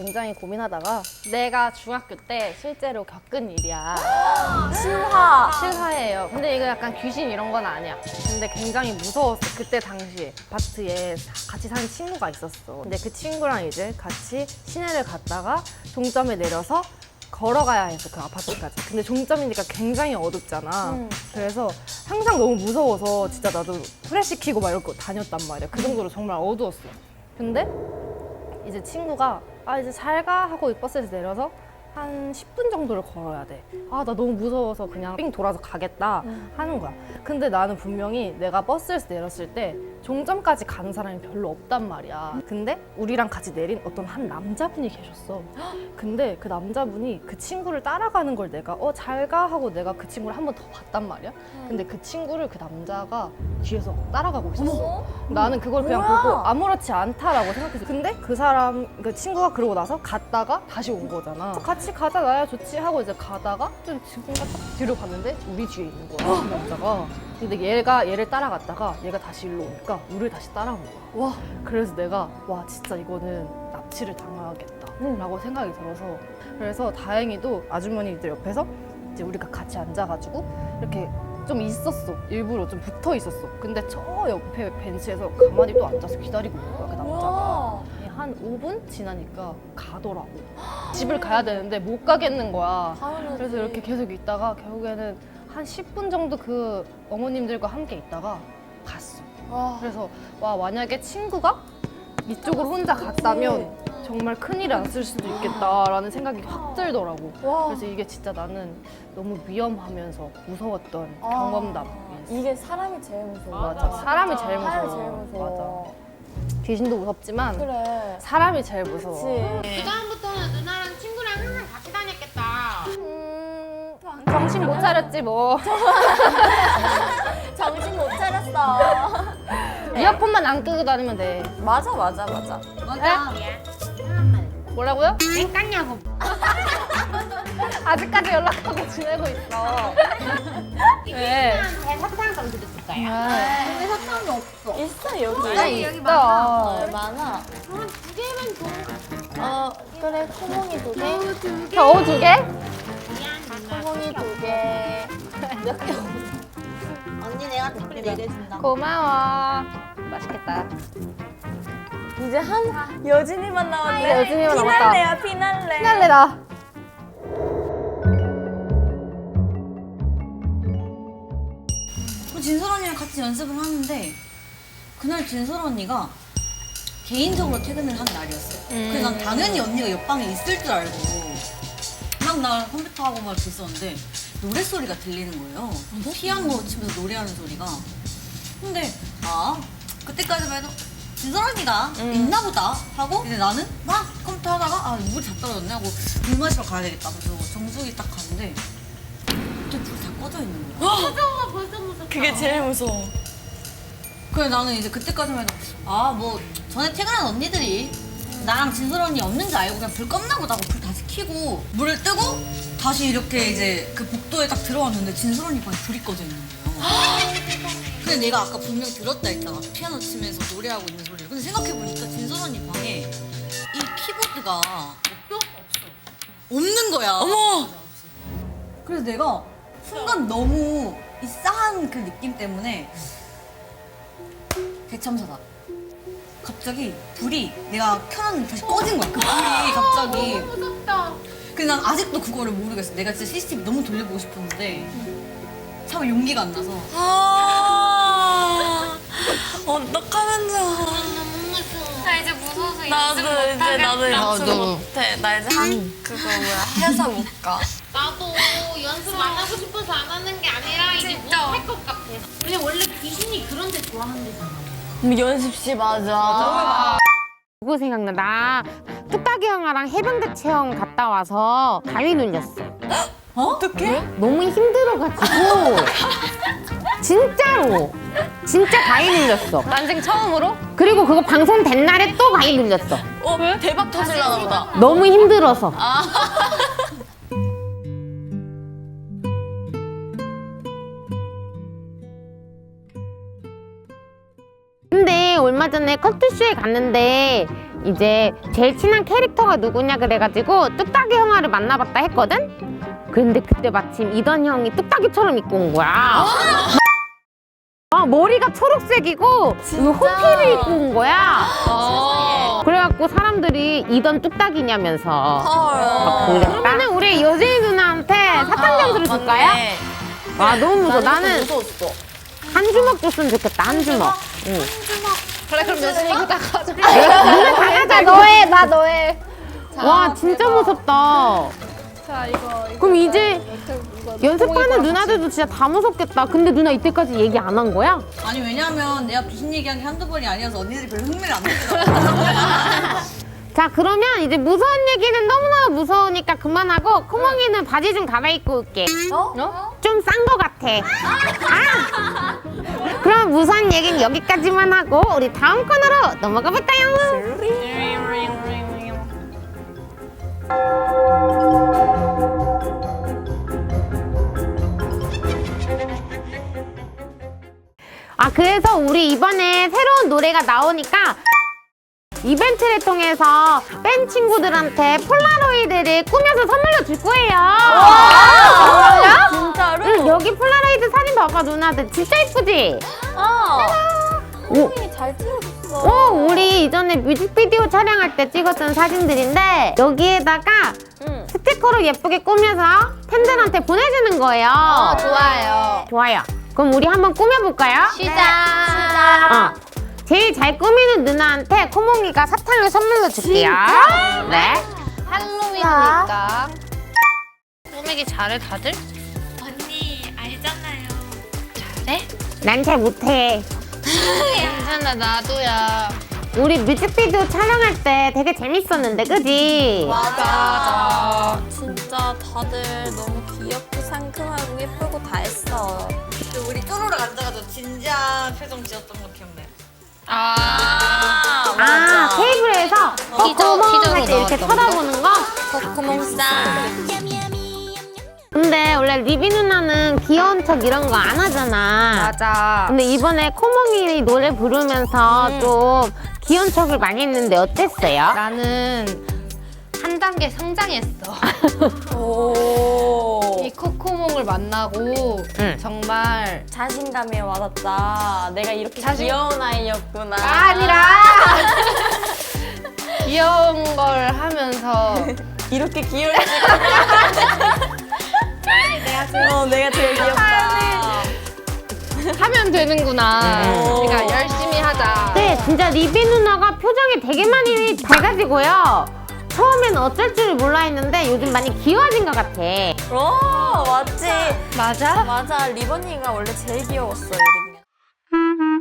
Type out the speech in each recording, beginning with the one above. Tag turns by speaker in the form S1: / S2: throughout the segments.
S1: 굉장히 고민하다가 내가 중학교 때 실제로 겪은 일이야. 실화예요. 근데 이거 약간 귀신 이런 건 아니야. 근데 굉장히 무서웠어. 그때 당시에 아파트에 같이 사는 친구가 있었어. 근데 그 친구랑 이제 같이 시내를 갔다가 종점에 내려서 걸어가야 했어, 그 아파트까지. 근데 종점이니까 굉장히 어둡잖아. 그래서 항상 너무 무서워서 진짜 나도 후레쉬 켜고 막 이러고 다녔단 말이야. 그 정도로 정말 어두웠어. 근데 이제 친구가 이제 잘 가 하고 버스에서 내려서 한 10분 정도를 걸어야 돼. 나 너무 무서워서 그냥 삥 돌아서 가겠다 하는 거야. 근데 나는 분명히 내가 버스에서 내렸을 때 종점까지 가는 사람이 별로 없단 말이야. 근데 우리랑 같이 내린 어떤 한 남자분이 계셨어. 근데 그 남자분이 그 친구를 따라가는 걸 내가 잘 가 하고 내가 그 친구를 한 번 더 봤단 말이야. 근데 그 친구를 그 남자가 뒤에서 따라가고 있었어. 나는 그걸 그냥 보고 아무렇지 않다라고 생각했어. 근데 그 친구가 그러고 나서 갔다가 다시 온 거잖아. 같이 가자, 나야 좋지 하고 이제 가다가 좀 친구가 딱 뒤로 갔는데 우리 뒤에 있는 거야, 그 남자가. 근데 얘를 따라갔다가 얘가 다시 일로 오니까 우리를 다시 따라온 거야. 와. 그래서 내가 진짜 이거는 납치를 당하겠다 라고 생각이 들어서, 그래서 다행히도 아주머니들 옆에서 이제 우리가 같이 앉아가지고 이렇게 좀 있었어. 일부러 좀 붙어 있었어. 근데 저 옆에 벤치에서 가만히 또 앉아서 기다리고 있는 거야, 그 남자가. 한 5분 지나니까 가더라고. 집을 가야 되는데 못 가겠는 거야. 그래서 이렇게 계속 있다가 결국에는 한 10분 정도 그 어머님들과 함께 있다가 갔어. 그래서 만약에 친구가 이쪽으로 혼자 갔다면 정말 큰일이 났을 수도 있겠다라는 생각이 확 들더라고. 그래서 이게 진짜 나는 너무 위험하면서 무서웠던 경험담이었어.
S2: 이게 사람이 제일 무서워.
S1: 맞아. 사람이 제일 무서워.
S2: 사람이 제일 무서워.
S1: 맞아. 귀신도 무섭지만
S2: 그래.
S1: 사람이 제일 무서워.
S2: 그치.
S3: 그다음부터는 누나랑 친구랑 항상 같이 다녔겠다.
S1: 정신 못 차렸지 뭐.
S2: 정신 못 차렸어.
S1: 이어폰만 안 끄고 다니면 돼.
S2: 맞아.
S3: 맞아.
S1: 뭐라고요?
S3: 왜 깠냐고.
S1: 아직까지 연락하고 지내고 있어. 왜?
S3: 제 사탕 좀 드렸을까요?
S2: 근데 사탕이 없어. 있어, 여기.
S3: 여기
S2: 많아. 많아.
S3: 두 개만 줘.
S2: 그래, 코몽이 2개.
S1: 겨우 2개?
S3: 미안 누나.
S2: 코몽이 2개.
S3: 언니 내가 특별히 4개 준다.
S1: 고마워. 맛있겠다.
S2: 이제 한 여진이만 남았네.
S1: 이제 여진이만 남았다.
S2: 피날레야, 피날레.
S1: 피날레다.
S4: 진솔 언니랑 같이 연습을 하는데 그날 진솔 언니가 개인적으로 퇴근을 한 날이었어요. 그래서 난 당연히 언니가 옆방에 있을 줄 알고 막 나 컴퓨터하고 막 있었는데 노랫소리가 들리는 거예요. 피아노 치면서 노래하는 소리가. 근데 그때까지만 해도 진솔 언니가 있나 보다 하고 이제 나는 막 컴퓨터 하다가 물이 다 떨어졌네 하고 물 마시러 가야 되겠다. 그래서 정수기 딱 갔는데 또 불이 다 꺼져 있는 거야.
S3: 무서워 벌써 무섭다.
S2: 그게 제일 무서워.
S4: 그래 나는 이제 그때까지만 해도 뭐 전에 퇴근한 언니들이 나랑 진솔 언니 없는 줄 알고 그냥 불 껐나 보다 하고 불 다시 켜고 물을 뜨고 다시 이렇게 이제 그 복도에 딱 들어왔는데 진솔 언니 방에 불이 꺼져 있는 거예요. 근데 내가 아까 분명히 들었다 했잖아. 피아노 치면서 노래하고 있는 소리를. 근데 생각해보니까 진솔 언니 방에 이 키보드가 없는 거야. 어머! 그래서 내가 순간 너무 이 싸한 그 느낌 때문에 대참사다. 갑자기 불이 내가 켜놨는데 다시 꺼진 거야. 그 불이 갑자기.
S3: 무섭다.
S4: 근데 난 아직도 그거를 모르겠어. 내가 진짜 CCTV 너무 돌려보고 싶었는데 참 용기가 안 나서.
S2: 어떡하면 좋아.
S3: 너무 무서워. 나 이제 무서워서
S2: 나도 연습
S1: 나도.
S2: 못해. 나 이제 그거 해서 못 가.
S3: 나도 연습 안 하고 싶어서 안 하는 게 아니라 이제 못할 것 같아. 근데 원래 귀신이 그런 데 좋아한대잖아.
S2: 연습실 맞아.
S5: 그거 생각나. 나 뚝딱이 형아랑 해병대 체험 갔다 와서 가위 눌렸어.
S2: 어떡해?
S5: 너무 힘들어가지고 진짜로 진짜 가위 눌렸어.
S1: 난생 처음으로?
S5: 그리고 그거 방송된 날에 또 가위 눌렸어.
S2: 대박 터질라나 보다.
S5: 너무 힘들어서. 근데 얼마 전에 커트쇼에 갔는데 이제 제일 친한 캐릭터가 누구냐 그래가지고 뚝딱이 형아를 만나봤다 했거든? 근데 그때 마침 이던 형이 뚝딱이처럼 입고 온 거야. 머리가 초록색이고 이거 호피를 입고 온 거야. 그래갖고 사람들이 이던 뚝딱이냐면서 막 그랬다. 그러면은 우리 여진이 누나한테 사탕 점수를 줄까요? 와 너무 무서워. 나는
S2: 무서웠어.
S5: 한 주먹 줬으면 좋겠다. 한 주먹. 응.
S1: 그래 그럼 여진이가 다 가져.
S5: 누나 다 가자.
S1: 너해 나 너해.
S5: 와 진짜 무섭다.
S1: 자 이거
S5: 그럼 이제 연습하는 누나들도 진짜 다 무섭겠다. 근데 누나 이때까지 얘기 안 한 거야?
S4: 아니 왜냐면 내가 귀신 얘기한 게 한두 번이 아니어서 언니들이 별로 흥미를 안 느끼더라고.
S5: 자 그러면 이제 무서운 얘기는 너무너무 무서우니까 그만하고 코몽이는 바지 좀 갈아입고 올게. 좀 싼 거 같아. 아! 그럼 무서운 얘기는 여기까지만 하고 우리 다음 코너로 넘어가 볼까요? 아 그래서 우리 이번에 새로운 노래가 나오니까 이벤트를 통해서 팬 친구들한테 폴라로이드를 꾸며서 선물로 줄 거예요.
S2: 정말요? 진짜로?
S5: 응, 여기 폴라로이드 사진 봐봐 누나들 진짜 이쁘지?
S2: 코몽이 잘 찍어줬어.
S5: 오, 우리 이전에 뮤직비디오 촬영할 때 찍었던 사진들인데 여기에다가 스티커로 예쁘게 꾸며서 팬들한테 보내주는 거예요.
S1: 좋아요.
S5: 좋아요. 그럼 우리 한번 꾸며볼까요?
S1: 시작.
S5: 제일 잘 꾸미는 누나한테 코몽이가 사탕을 선물로 줄게요. 네.
S1: 할로윈이니까. 꾸미기 잘해 다들?
S3: 언니 알잖아요.
S1: 잘해?
S5: 난 잘 못해.
S1: 괜찮아 나도야.
S5: 우리 뮤직비디오 촬영할 때 되게 재밌었는데, 그지?
S2: 맞아. 진짜 다들 너무 귀엽고 상큼하고 예쁘고 다 했어.
S4: 우리 쪼로락 앉아가지고 진지한 표정 지었던 거 기억나요?
S5: 아, 테이블에서 코몽 할 때 이렇게 쳐다보는 거?
S2: 코몽상.
S5: 근데 원래 리비 누나는 귀여운 척 이런 거 안 하잖아.
S1: 맞아.
S5: 근데 이번에 코몽이 노래 부르면서 좀 귀여운 척을 많이 했는데 어땠어요?
S1: 나는 한 단계 성장했어.
S2: 오.
S1: 이 코코몽을 만나고
S5: 응.
S1: 정말
S2: 자신감이 와닿다. 내가 이렇게 귀여운 아이였구나.
S1: 아니라 귀여운 걸 하면서
S2: 이렇게 귀여울 수가. 내가 제일 귀엽다.
S1: 하면 되는구나. 그러니까 열심히 하자.
S5: 네, 진짜 리비 누나가 표정이 되게 많이 밝아지고요. 처음에는 어쩔 줄을 몰라 했는데 요즘 많이 귀여워진 것 같아.
S2: 맞지.
S1: 맞아?
S2: 맞아. 리버니가 원래 제일 귀여웠어. 여기.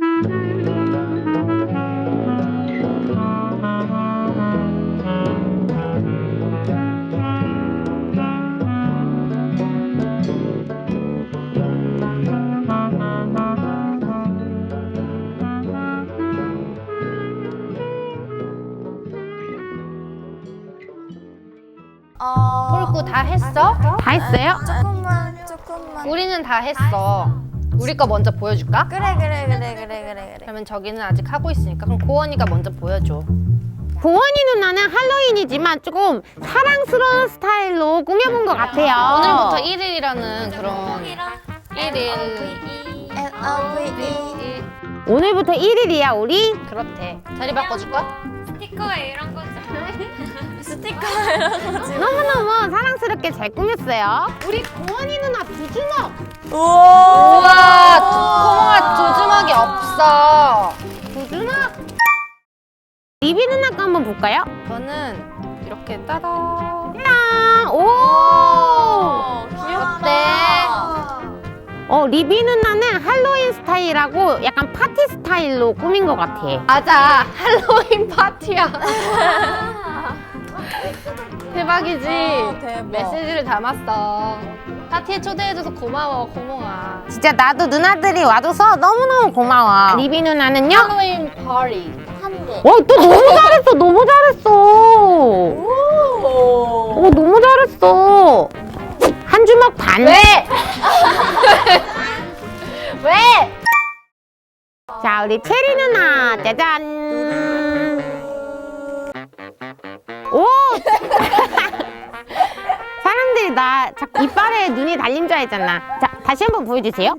S1: 폴구 다 했어?
S5: 다 했어요?
S2: 조금만.
S1: 우리는 다 했어. 우리 거 먼저 보여줄까?
S2: 그래.
S1: 그러면 저기는 아직 하고 있으니까 그럼 고원이가 먼저 보여줘.
S5: 고원이 누나는 할로윈이지만 조금 사랑스러운 스타일로 꾸며본 것 같아요.
S1: 오늘부터 1일이라는 그런 1일.
S5: 오늘부터 1일이야 우리?
S1: 그렇대. 자리 바꿔줄까?
S3: 스티커에 이런 거
S5: 너무너무 사랑스럽게 잘 꾸몄어요. 우리 고원이 누나 두 주먹.
S1: 우와, 코몽아 두 주먹이 없어.
S5: 두 주먹. 리비 누나 거 한번 볼까요?
S1: 저는 이렇게 따다.
S5: 짠! 오!
S1: 어때?
S5: 리비 누나는 할로윈 스타일하고 약간 파티 스타일로 꾸민 것 같아.
S1: 맞아, 할로윈 파티야. 대박이지?
S2: 대박.
S1: 메시지를 담았어. 파티에 초대해줘서 고마워, 고몽아.
S5: 진짜 나도 누나들이 와줘서 너무너무 고마워. 리비 누나는요?
S1: 할로윈 파티.
S5: 또 너무 잘했어, 너무 잘했어. 너무 잘했어. 한 주먹 반.
S1: 왜? 왜?
S5: 자, 우리 체리 누나, 짜잔. 나 자꾸 이빨에 눈이 달린 줄 알잖아. 자, 다시 한번 보여주세요.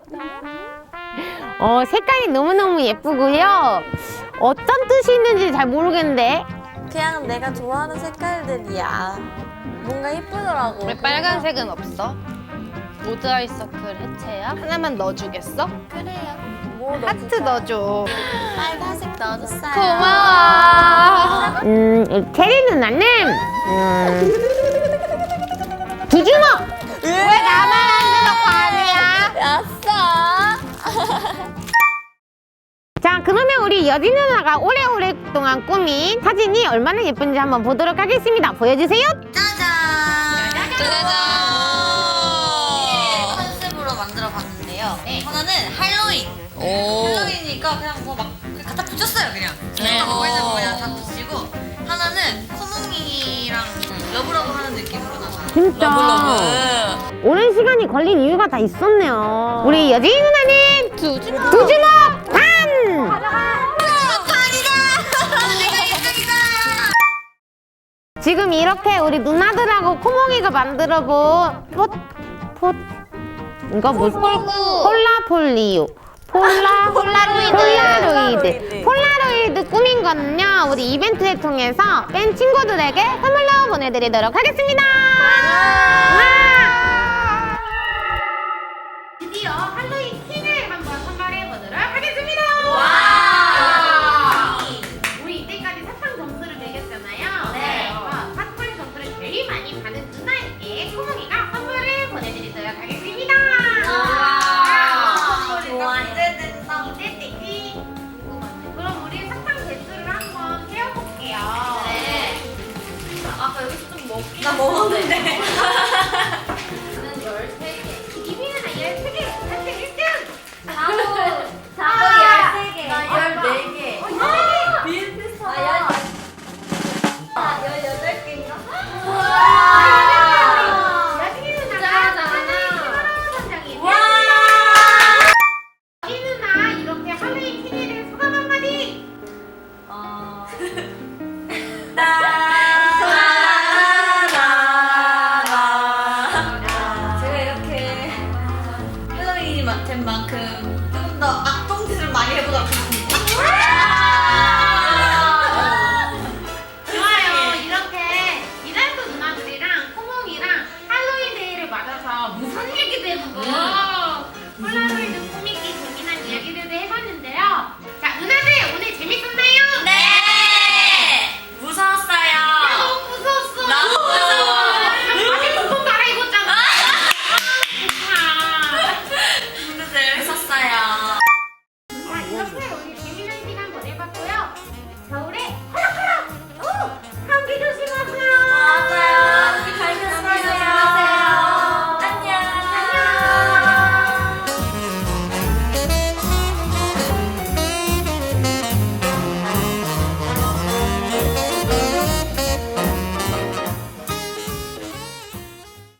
S5: 색깔이 너무너무 예쁘고요. 어떤 뜻이 있는지 잘 모르겠는데.
S2: 그냥 내가 좋아하는 색깔들이야. 뭔가 예쁘더라고.
S1: 왜 빨간색은 없어? 모드 아이서클 해체야? 하나만 넣어주겠어?
S2: 그래요. 뭐
S1: 하트 넣어줘.
S2: 빨간색 넣어줬어요.
S1: 고마워.
S5: 체리 누나는 두 주먹. 왜 나만 안 주먹 아니야?
S2: 아싸.
S5: 자, 그러면 우리 여진 누나가 오래오랫동안 꾸민 사진이 얼마나 예쁜지 한번 보도록 하겠습니다. 보여주세요.
S4: 짜잔!
S2: 짜잔.
S4: 컨셉으로 만들어봤는데요. 하나는 할로윈.
S2: 오.
S4: 할로윈이니까 그냥 뭐 막 갖다 붙였어요, 그냥. 내가 보고 있는 거 그냥 다 붙이고. 하나는 코몽이랑 러브러브 하는 느낌으로 나서.
S5: 진짜
S2: 러블러브.
S5: 오랜 시간이 걸린 이유가 다 있었네요. 우리 여진 누나는
S2: 두 주먹.
S5: 두 주먹 반! 지금 이렇게 우리 누나들하고 코몽이가 만들어본 이거 무슨 폴라로이드 꾸민 거는요 우리 이벤트를 통해서 팬 친구들에게 선물로 보내드리도록 하겠습니다. 와! 드디어 할로윈 퀸을 한번 선발해 보도록 하겠습니다. 우리 이때까지 사탕 점수를 매겼잖아요. 네. 사탕 점수를 제일 많이 받은 누나에게 코몽이가 선물을 보내드리도록 하겠습니다. 기대되지? 그럼 우리 사탕 개수를 한번 세어볼게요. 네. 아까 여기서 좀 먹긴
S4: 나 먹었는데.
S5: 저는 13개. 이비는 13개. 사탕 1등.
S3: 나도 13개. 나 14개.
S5: 14개.
S3: 비슷비슷하다. 나 18개인가?
S5: 여진이 누나가 하나의 선장이
S3: 와!
S5: 여진 누나 이렇게 할로윈 퀸에 소감 한마디.
S4: 제가 이렇게 할로윈이 맡은 만큼 조금 더 악동짓을 많이 해보도록 하겠습니다.
S5: 좋아요. 이렇게 이달도 누나들이랑 코몽이랑 할로윈 데이를 맞아서 무슨 얘기도 해보고 폴라로이드